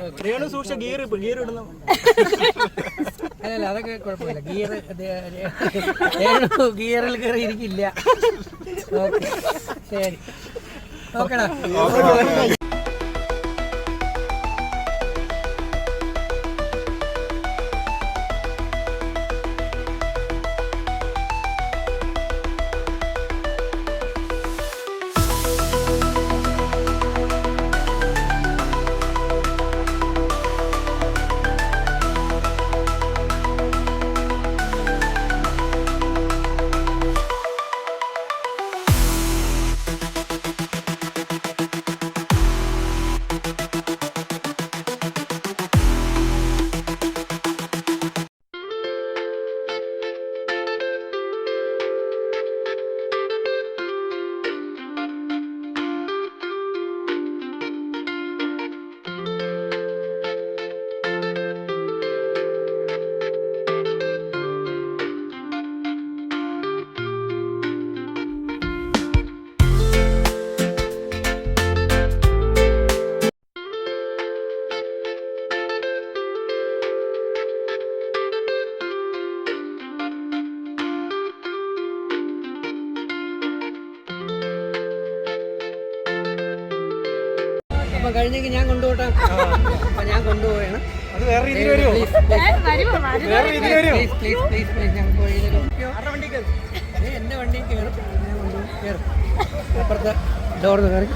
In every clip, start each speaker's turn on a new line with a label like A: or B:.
A: അല്ലല്ല അതൊക്കെ കുഴപ്പമില്ല. ഗിയറിൽ കയറി ഇരിക്കില്ല. ഓക്കെ ശരി, ഓക്കെടാ. അപ്പൊ കഴിഞ്ഞെങ്കിൽ ഞാൻ കൊണ്ടുപോട്ടെ. അപ്പൊ ഞാൻ കൊണ്ടുപോവാണ്. എന്റെ വണ്ടി കയറും, ഞാൻ കൊണ്ടുപോകും. കയറും അപ്പുറത്തെ ഡോറിന് കയറി.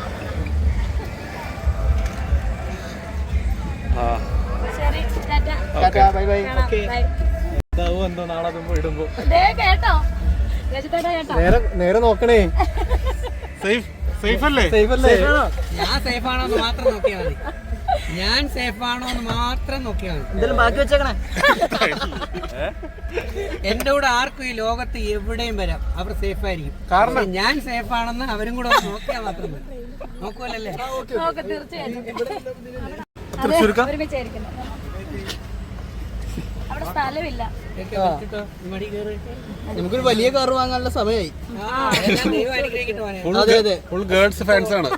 B: നേരെ നോക്കണേ.
A: ഞാൻ സേഫ് ആണോ എന്ന് മാത്രം നോക്കിയാൽ മതി. ഞാൻ സേഫ് ആണോ എന്ന് മാത്രം നോക്കിയാൽ മതി.
B: എന്തെങ്കിലും ബാക്കി വെച്ചേക്കണേ.
A: എന്റെ കൂടെ ആർക്കും ഈ ലോകത്ത് എവിടെയും വരാം, അവർ സേഫ് ആയിരിക്കും. കാരണം ഞാൻ സേഫ് ആണെന്ന് അവരും കൂടെ നോക്കിയാൽ മാത്രം മതി. നോക്കുമല്ലേ?
B: നമുക്കൊരു വലിയ കാർ വാങ്ങാനുള്ള സമയമായി.
C: ഫുൾ ഗേൾസ് ഫാൻസ് ആണ്.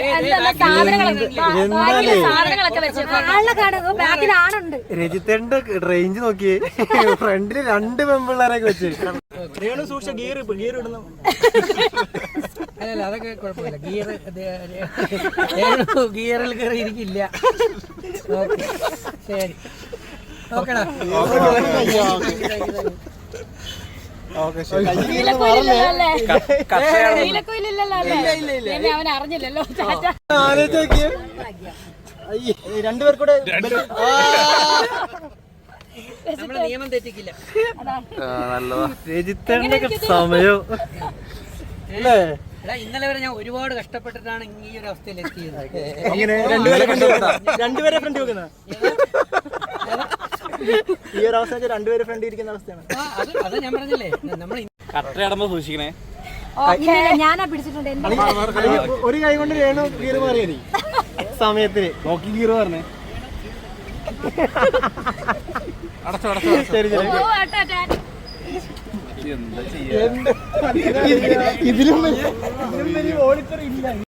B: രജിത്തേണ്ട റേഞ്ച് നോക്കിയേ. ഫ്രണ്ടില് 2 പെമ്പിള്ളേരൊക്കെ വെച്ച്.
A: അല്ലല്ല അതൊക്കെ കുഴപ്പമില്ല. ഗിയറിൽ കയറി ഇരിക്കില്ല. ഓക്കെ ശരി, ഓക്കെടാ.
B: രണ്ടുപേർക്കൂടെ
A: നമ്മള് നിയമം തെറ്റിക്കില്ല.
B: രജിത്തേണ്ട സമയം അല്ലേ?
A: ഇന്നലെ വരെ ഞാൻ ഒരുപാട് കഷ്ടപ്പെട്ടിട്ടാണ് ഈ ഒരു അവസ്ഥയിൽ എത്തിയത്.
B: രണ്ടുപേരെ ഫ്രണ്ട് വെക്കുന്ന ഈ ഒരു അവസ്ഥ രണ്ടുപേരെ ഫ്രണ്ട് ഇരിക്കുന്ന അവസ്ഥയാണ്.
A: അത് ഞാൻ പറഞ്ഞില്ലേ, നമ്മൾ
C: കട്ടയടമ്പോ സൂക്ഷിക്കണേ.
D: ഞാനാ പിടിച്ചിട്ടുണ്ട്.
B: ഒരു കൈ കൊണ്ട് വേണോ ഗീർ മാറിയ മതി സമയത്തിന്
C: നോക്കി ഗീർ പറഞ്ഞേ.
B: ശരി ശരി.
C: എന്താ ചെയ്യാ?
B: ഇതിലും വലിയ ഓടിത്തറിയില്ല.